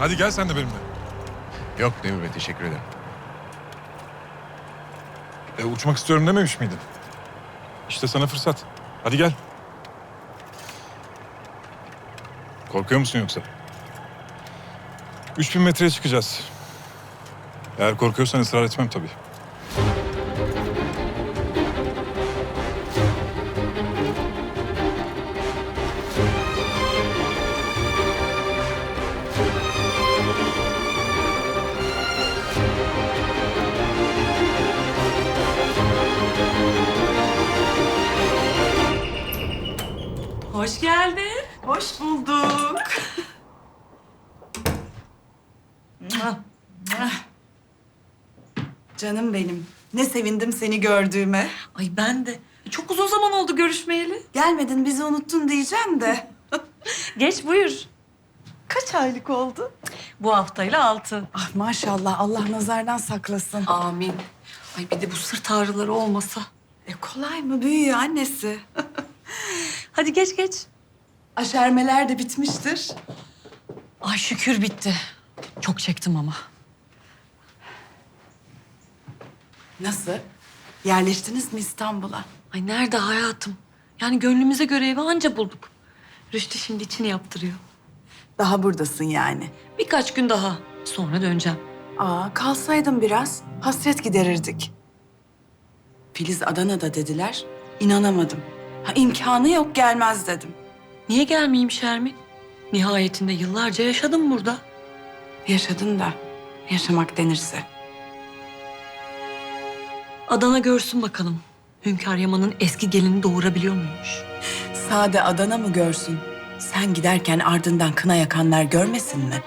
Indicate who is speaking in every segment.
Speaker 1: Hadi gel sen de benimle.
Speaker 2: Yok Demir Bey, teşekkür ederim.
Speaker 1: Uçmak istiyorum dememiş miydin? İşte sana fırsat. Hadi gel. Korkuyor musun yoksa? 3000 metreye çıkacağız. Eğer korkuyorsan ısrar etmem tabii.
Speaker 3: Hoş geldin.
Speaker 4: Hoş bulduk. Canım benim. Ne sevindim seni gördüğüme.
Speaker 3: Ay ben de. Çok uzun zaman oldu görüşmeyeli.
Speaker 4: Gelmedin bizi unuttun diyeceğim de.
Speaker 3: Geç buyur.
Speaker 4: Kaç aylık oldu?
Speaker 3: Bu haftayla 6.
Speaker 4: Ah maşallah Allah nazardan saklasın.
Speaker 3: Amin. Ay bir de bu sırt ağrıları olmasa.
Speaker 4: Kolay mı büyüyor annesi?
Speaker 3: Hadi geç geç.
Speaker 4: Aşermeler de bitmiştir.
Speaker 3: Ay şükür bitti. Çok çektim ama.
Speaker 4: Nasıl? Yerleştiniz mi İstanbul'a?
Speaker 3: Ay nerede hayatım? Yani gönlümüze göre evi anca bulduk. Rüştü şimdi içini yaptırıyor.
Speaker 4: Daha buradasın yani.
Speaker 3: Birkaç gün daha. Sonra döneceğim.
Speaker 4: Kalsaydın biraz. Hasret giderirdik. Filiz Adana'da dediler. İnanamadım. İmkanı yok gelmez dedim.
Speaker 3: Niye gelmeyeyim Şermin? Nihayetinde yıllarca yaşadım burada.
Speaker 4: Yaşadın da yaşamak denirse.
Speaker 3: Adana görsün bakalım. Hünkâr Yaman'ın eski gelini doğurabiliyor muymuş?
Speaker 4: Sade Adana mı görsün? Sen giderken ardından kına yakanlar görmesin mi?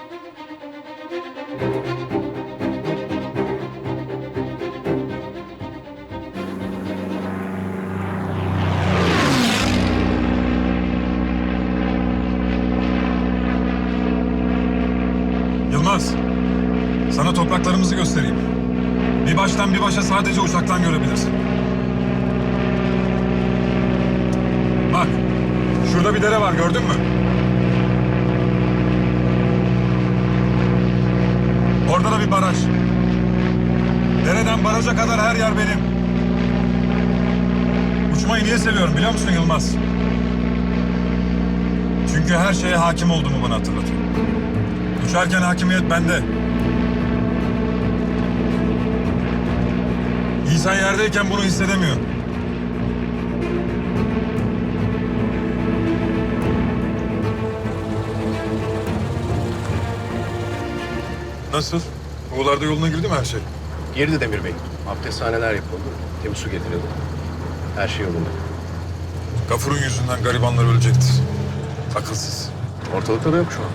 Speaker 1: Yılmaz, sana topraklarımızı göstereyim. Bir baştan bir başa sadece uzaktan görebilirsin. Bak, şurada bir dere var, gördün mü? Orada da bir baraj. Dereden baraja kadar her yer benim. Uçmayı niye seviyorum biliyor musun Yılmaz? Çünkü her şeye hakim olduğumu bana hatırlatıyor. Uçarken hakimiyet bende. İnsan yerdeyken bunu hissedemiyor. Nasıl? Oğlarda yoluna girdi mi her şey?
Speaker 2: Girdi Demir Bey. Abdesthaneler yapıldı. Temiz su getirildi. Her şey yolunda.
Speaker 1: Gafur'un yüzünden garibanlar ölecekti. Akılsız.
Speaker 2: Ortalıkta da yok şu an.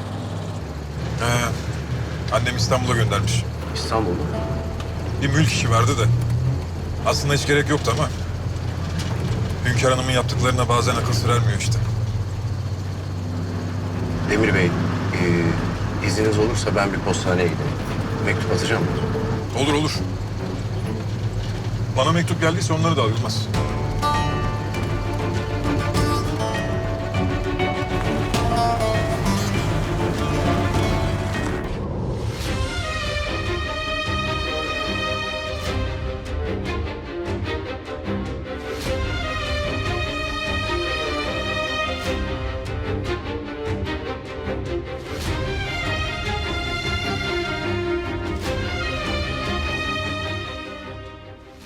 Speaker 1: Annem İstanbul'a göndermiş.
Speaker 2: İstanbul'da.
Speaker 1: Bir mülk işi vardı da. Aslında hiç gerek yoktu ama... Hünkâr Hanım'ın yaptıklarına bazen akıl sır ermiyor işte.
Speaker 2: Demir Bey, izniniz olursa ben bir postaneye gideyim. Mektup atacağım.
Speaker 1: Olur olur. Bana mektup geldiyse onları da al Yılmaz.